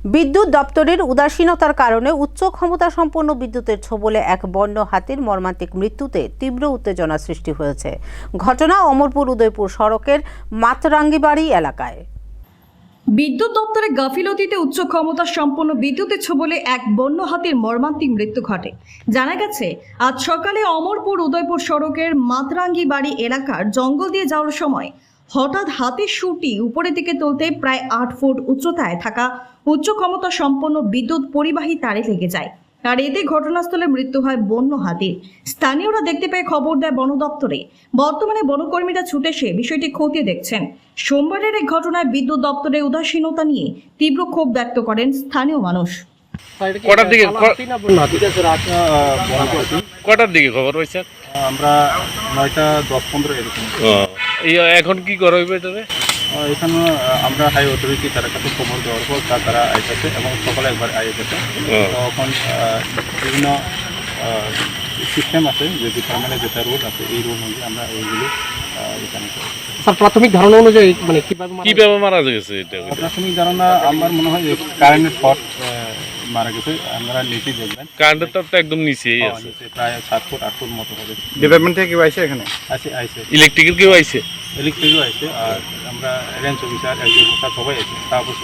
বিদ্যুৎ দপ্তরের উদাসীনতার কারণে উচ্চ ক্ষমতা সম্পন্ন বিদ্যুতের ছোবলে এক বন্য হাতির মর্মান্তিক মৃত্যুতে তীব্র উত্তেজনা সৃষ্টি হয়েছে। ঘটনা অমরপুর উদয়পুর সড়কের মাতরাঙ্গিবাড়ি এলাকায়। বিদ্যুৎ দপ্তরের গাফিলতিতে উচ্চ ক্ষমতা সম্পন্ন বিদ্যুতের ছোবলে এক বন্য হাতির মর্মান্তিক মৃত্যু ঘটে। জানা গেছে, আজ সকালে অমরপুর উদয়পুর সড়কের মাতরাঙ্গিবাড়ি এলাকার জঙ্গল দিয়ে যাওয়ার সময় হঠাৎ হাতির শুঁটি উপরের দিকে তুলতে প্রায় 8 ফুট উচ্চতায় থাকা উচ্চ ক্ষমতা সম্পন্ন বিদ্যুৎ পরিবাহী তারে লেগে যায়। আর এতে ঘটনাস্থলে মৃত্যু হয় বন্য হাতির। স্থানীয়রা দেখতে পেয়ে খবর দেয় বন দপ্তরে। বর্তমানে বনকর্মীরা ছুটে এসে বিষয়টি খতিয়ে দেখছেন। সোমবারের এই ঘটনায় বিদ্যুৎ দপ্তরের উদাসীনতা নিয়ে তীব্র ক্ষোভ ব্যক্ত করেন স্থানীয় মানুষ। কটার দিকে খবর হয়েছে? আমরা 9টা 10-15 এরকম। এখন কি করা হইবে এটারে? এখানে আমরা হাই অথরিটি তার কাছে খবর দেওয়ার পর তারা আইতেছে এবং সকালে একবার আইতেছে। তখন বিভিন্ন সিস্টেম আছে, যে ডিপার্টমেন্টে যেটা রুল আছে এই রুল অনুযায়ী আমরা এইগুলো এখানে। স্যার, প্রাথমিক ধারণা অনুযায়ী মানে কিভাবে মারা গেছে এটা? প্রাথমিক ধারণা আমার মনে হয় যে কারেন্টের শর্ট মারা গেছে। আমরা নিচে দেখবেন কারেন্টের তার তো একদম নিচেই আছে, প্রায় 7 ফুট 8 ফুট মতো হবে। ডিপার্টমেন্ট থেকে কেউ আইছে এখানে? আইছে ইলেকট্রিকের কেউ আইছে? ইলেকট্রিকও আইছে, আর আমরা রেঞ্জ অফিসার, এলজি অফিসার সবাই আছে। তারপর